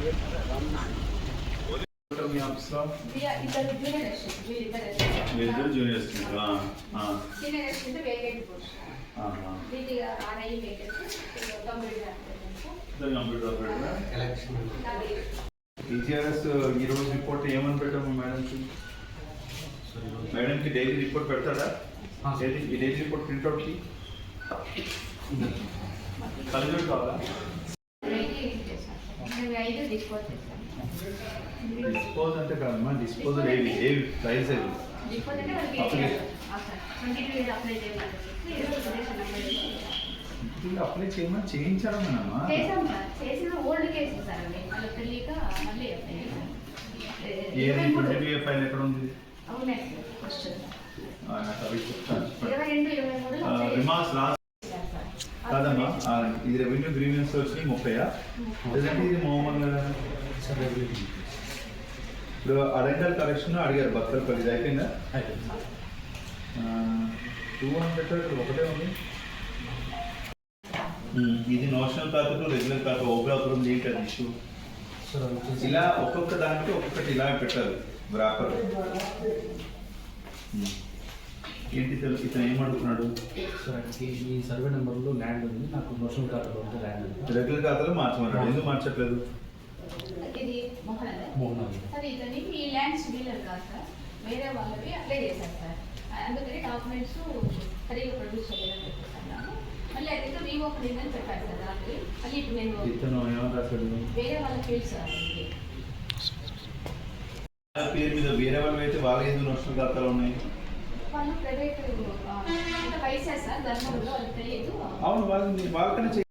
మీ ఆఫీస్లో వీళ్ళిద్దరు juniors senior assistant vacant post computer teachers ఈరోజు రిపోర్ట్ ఏమని పెట్టాము మేడంకి? మేడంకి డైలీ రిపోర్ట్ పెడతాడా? ఈ డైలీ రిపోర్ట్ ప్రింట్అవుట్కి కలిసి కావాలా? డిస్పోజ్ అంటే కాదమ్మా, డిస్పోజల్ ఏవి ప్రైస్ అప్లై చేయమని చేయించడం అమ్మా. ఫైల్ ఎక్కడ ఉంది? కాదమ్మా, ఇది రెవెన్యూ గ్రీవెన్స్ వచ్చినాయి 30 లేదంటే ఇది మామూలుగా ఇప్పుడు అడెంటల్ కలెక్షన్ అడిగారు భక్తలపల్లి, ఇది అయిపోయిందా? 200 ఒకటే ఉంది. ఇది నోషనల్ ఖాతా టు రెగ్యులర్ ఖాతా ఓబ్రాపురం ఏంటి అది ఇష్యూ? ఇలా ఒక్కొక్క దానికి ఒక్కొక్కటి ఇలా పెట్టాలి బ్రాపర్. ఏంటి తెలుసు ఇతను ఏమడుగుతున్నాడు? ఈ సర్వే నెంబర్లో ల్యాండ్ ఉంది, నాకు నోషనల్ ఖాతాలో ఉంది ల్యాండ్ ఉంది. రెగ్యులర్ ఖాతాలో మార్చమన్నాడు, ఎందుకు మార్చట్లేదు? ఇది సార్ ఇతని ఈ ల్యాండ్స్ డీలర్ కాదు సార్, వేరే వాళ్ళవి అప్లై చేశారు సార్. అందుకని డాక్యుమెంట్స్ సరిగ్గా ప్రొడ్యూస్ చేయాలని చెప్పేస్తున్నాను. మళ్ళీ అయితే వివో అని చెప్పారు సార్ దానికి. మళ్ళీ ఇప్పుడు నేను ఇతను ఏమని రాశాడు? వేరే వాళ్ళ ఫీల్డ్ సార్ పేరు మీద వేరే వాళ్ళు అయితే వాళ్ళ ఎందుకు నోషనల్ ఖాతాలు ఉన్నాయి? వాళ్ళు ప్రైవేట్ వైసా సార్ ధర్మంలో వాళ్ళకి తెలియదు. అవును, వాళ్ళకన్నా